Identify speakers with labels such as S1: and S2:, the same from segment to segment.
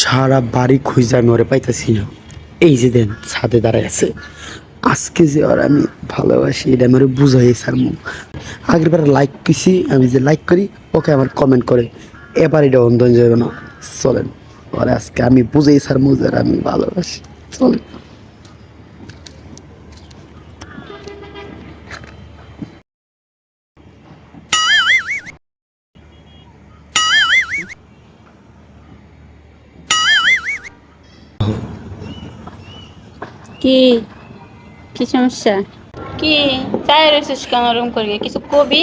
S1: সারা বাড়ি খুঁজে আমি ওরে পাইতেছি না। এই যে দেন ছাদে দাঁড়ায় আছে। আজকে যে আর আমি ভালোবাসি এটা আমার বুঝাই স্যার মু আগের বার লাইক করছি, আমি যে লাইক করি ওকে আমার কমেন্ট করে, এবার এটা অন্ধ হয়ে যাবে না। চলেন ওরে আজকে আমি বুঝাই স্যার মু যে আমি ভালোবাসি। চলেন।
S2: কি কি সমস্যা? কি চাই রয়েছিস কেন ওরকম করি? কিছু কবি?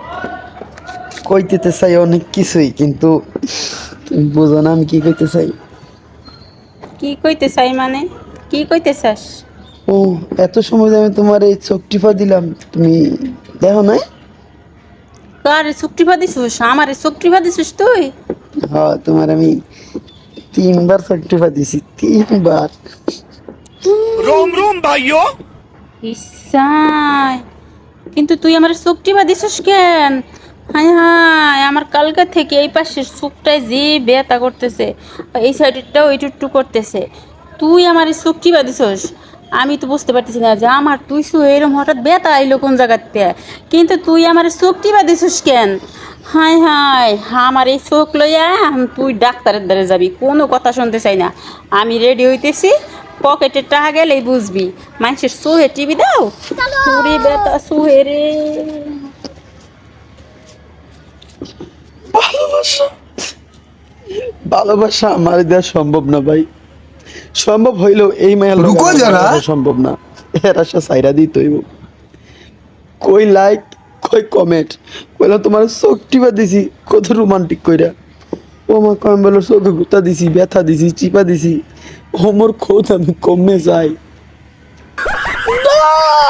S1: কইতে চাই অনেক কিছুই, কিন্তু তুমি বোঝো না আমি কি কইতে চাই।
S2: কি কইতে চাই মানে? কি কইতে চাস?
S1: ও, এত সময় যে আমি তোমার এই চোখ টিপা দিলাম, তুমি দেখো নাই?
S2: কারে চুক্তিফা দিছিস? আমারে চুক্তিফা দিছিস তুই?
S1: হ্যাঁ, তোমার আমি 3 বার চোখ টিপা দিছি, 3 বার।
S3: रोम रोम भाइयों।
S2: ইসাই, কিন্তু তুই আমার চুক্তিফা দিছিস কেন? হায় হায়, আমার কালকে থেকে এই পাশের চুকটায় যে ব্যথা করতেছে, এই সাইডেরটাও একটু করতেছে। তুই আমার এই চুক্তিফা দিছিস, আমি তো বুঝতে পারতেছি না যে আমার তুই এরকম হঠাৎ ব্যথা আইলো কোন জায়গাতে, কিন্তু তুই আমার চুক্তিফা দিছিস কেন? হায় হায়, আমার এই চোখ লইয়া তুই ডাক্তারের দ্বারে যাবি, কোনো কথা শুনতে চাই না। আমি রেডি হইতেছি, পকেটে টাকা গেলেই বুঝবি। মানুষের সুহে টিভি দাও, চুরি বেতা সুহে রে।
S1: ভালোবাসা, ভালোবাসা আমার দেওয়া সম্ভব না ভাই। সম্ভব হইলেও এই মায়ের
S3: রুকো যারা।
S1: সম্ভব না। এর আশা সাইরা দিই তৈব। কই লাইক, কই কমেন্ট, কইলাম তোমার চোখ টিপা দিছি কত রোমান্টিক কইরা। ও আমার কম বলো চোখে গুতা দিছি, ব্যথা দিছি, চিপা দিছি। ওমর খোদ আমি কমে যাই না।